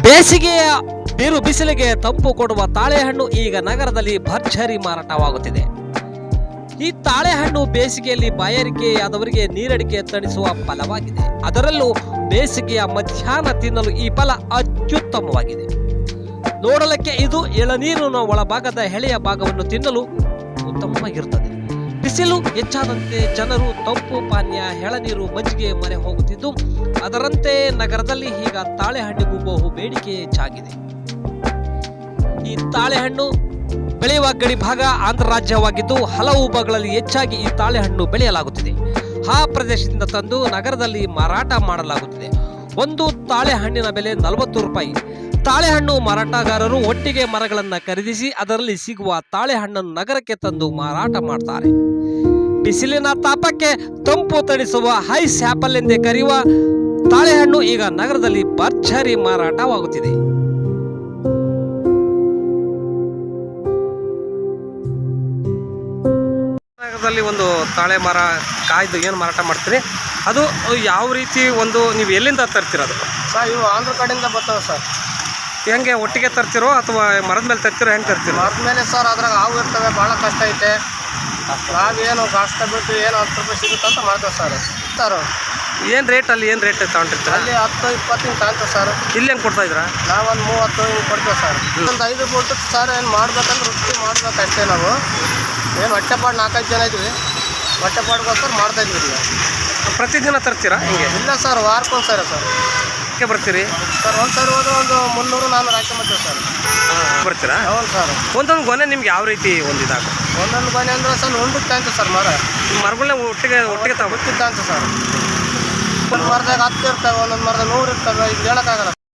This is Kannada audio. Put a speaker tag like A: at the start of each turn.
A: ಬೇಸಿಗೆಯ ಬಿರು ಬಿಸಿಲಿಗೆ ತಂಪು ಕೊಡುವ ತಾಳೆಹಣ್ಣು ಈಗ ನಗರದಲ್ಲಿ ಭರ್ಜರಿ ಮಾರಾಟವಾಗುತ್ತಿದೆ. ಈ ತಾಳೆಹಣ್ಣು ಬೇಸಿಗೆಯಲ್ಲಿ ಬಾಯಾರಿಕೆಯಾದವರಿಗೆ ನೀರಡಿಕೆ ತಣಿಸುವ ಫಲವಾಗಿದೆ. ಅದರಲ್ಲೂ ಬೇಸಿಗೆಯ ಮಧ್ಯಾಹ್ನ ತಿನ್ನಲು ಈ ಫಲ ಅತ್ಯುತ್ತಮವಾಗಿದೆ. ನೋಡಲಿಕ್ಕೆ ಇದು ಎಳನೀರಿನ ಒಳಭಾಗದ ಎಳೆಯ ಭಾಗವನ್ನು ತಿನ್ನಲು ಉತ್ತಮವಾಗಿರುತ್ತದೆ. ಬಿಸಿಲು ಹೆಚ್ಚಾದಂತೆ ಜನರು ತಂಪು ಪಾನೀಯ, ಎಳನೀರು, ಮಜ್ಜಿಗೆ ಮೊರೆ ಹೋಗುತ್ತಿದ್ದು, ಅದರಂತೆ ನಗರದಲ್ಲಿ ಈಗ ತಾಳೆಹಣ್ಣಿಗೂ ಬಹು ಬೇಡಿಕೆ ಹೆಚ್ಚಾಗಿದೆ. ಈ ತಾಳೆಹಣ್ಣು ಬೆಳೆಯುವ ಗಡಿ ಭಾಗ ಆಂಧ್ರ ರಾಜ್ಯವಾಗಿದ್ದು, ಹಲವು ಭಾಗಗಳಲ್ಲಿ ಹೆಚ್ಚಾಗಿ ಈ ತಾಳೆಹಣ್ಣು ಬೆಳೆಯಲಾಗುತ್ತಿದೆ. ಆ ಪ್ರದೇಶದಿಂದ ತಂದು ನಗರದಲ್ಲಿ ಮಾರಾಟ ಮಾಡಲಾಗುತ್ತಿದೆ. ಒಂದು ತಾಳೆಹಣ್ಣಿನ ಬೆಲೆ 40 ರೂಪಾಯಿ. ತಾಳೆಹಣ್ಣು ಮಾರಾಟಗಾರರು ಒಟ್ಟಿಗೆ ಮರಗಳನ್ನು ಖರೀದಿಸಿ ಅದರಲ್ಲಿ ಸಿಗುವ ತಾಳೆಹಣ್ಣನ್ನು ನಗರಕ್ಕೆ ತಂದು ಮಾರಾಟ ಮಾಡ್ತಾರೆ. ಬಿಸಿಲಿನ ತಾಪಕ್ಕೆ ತಂಪು ತಣಿಸುವ ಐಸ್ ಆಪಲ್ ಎಂದೇ ಕರೆಯುವ ತಾಳೆಹಣ್ಣು ಈಗ ನಗರದಲ್ಲಿ ಭರ್ಜರಿ ಮಾರಾಟವಾಗುತ್ತಿದೆ. ನಗರದಲ್ಲಿ ಒಂದು ತಾಳೆ ಮರ ಕಾಯ್ದು ಏನು ಮಾರಾಟ ಮಾಡ್ತೀರಿ, ಅದು ಯಾವ ರೀತಿ ಒಂದು ನೀವು ಎಲ್ಲಿಂದ ತರ್ತೀರೋದು?
B: ಸರ್ ಇವು ಆಂಧ್ರ ಕಡೆಯಿಂದ ಬರ್ತಾವೆ ಸರ್.
A: ಹೆಂಗೆ ಒಟ್ಟಿಗೆ ತರ್ತಿರೋ ಅಥವಾ ಮರದ ಮೇಲೆ ತರ್ತಿರೋ, ಹೆಂಗೆ ತರ್ತೀರೋ?
B: ಮರದ ಮೇಲೆ ಸರ್, ಅದ್ರಾಗ ಹಾವು ಇರ್ತವೆ, ಭಾಳ ಕಷ್ಟ ಐತೆ. ನಾವೇನು ಕಷ್ಟ ಬಿಟ್ಟು ಏನು 10 ರೂಪಾಯಿ ಸಿಗುತ್ತೆ ಅಂತ ಮಾಡ್ತೇವೆ ಸರ್.
A: ಏನು ರೇಟ್ ಅಲ್ಲಿ ಏನು ರೇಟ್ ತಗೊಂಡಿರ್ತೀರ?
B: ಅಲ್ಲಿ 10-20 ಹಿಂಗೆ ತಗೊಂತೇವೆ ಸರ್.
A: ಇಲ್ಲಿ ಹೆಂಗೆ ಕೊಡ್ತಾ ಇದ್ದೀರಾ?
B: ನಾವೊಂದು 30 ಹಿಂಗೆ ಕೊಡ್ತೇವೆ ಸರ್. ಒಂದು 5 ಬಿಟ್ಟು ಸರ್ ಏನು ಮಾಡ್ಬೇಕಂದ್ರೆ ವೃತ್ತಿ ಮಾಡ್ಬೇಕಷ್ಟೇ. ನಾವು ಏನು ಹೊಟ್ಟೆಪಾಡು 4-5 ಜನ ಇದ್ವಿ, ಹೊಟ್ಟೆಪಾಡ್ಗೋಸ್ಕರ ಮಾಡ್ತಾಯಿದ್ವಿ.
A: ಪ್ರತಿದಿನ ತರ್ತೀರಾ ಹಿಂಗೆ?
B: ಇಲ್ಲ ಸರ್, ವಾರಕ್ಕೊಂದು ಸರಿ ಸರ್.
A: ಯಾಕೆ ಬರ್ತೀರಿ
B: ಸರ್? ಒಂದು ಸರಿ ಹೋದ್ರೆ ಒಂದು 300-400 ಹಾಕೊಂಬರ್ತೀವಿ ಸರ್.
A: ಬರ್ತೀರಾ?
B: ಹೌದು ಸರ್.
A: ಒಂದೊಂದು ಗೊನೆ ನಿಮ್ಗೆ ಯಾವ ರೀತಿ ಒಂದು ಇದಾಗ?
B: ಒಂದೊಂದು ಗೊನೆ ಅಂದರೆ ಸರ್ ಉಂಡುತ್ತೆ ಅಂತ ಸರ್.
A: ಮರಗಳನ್ನ ಒಟ್ಟಿಗೆ
B: ಗೊತ್ತಿದ್ದ ಅಂತ ಸರ್. ಒಂದು ಮರದಾಗ 10 ಇರ್ತವೆ, ಒಂದೊಂದು ಮರದಾಗ 100 ಇರ್ತವೆ. ಈಗ ಹೇಳೋಕ್ಕಾಗಲ್ಲ.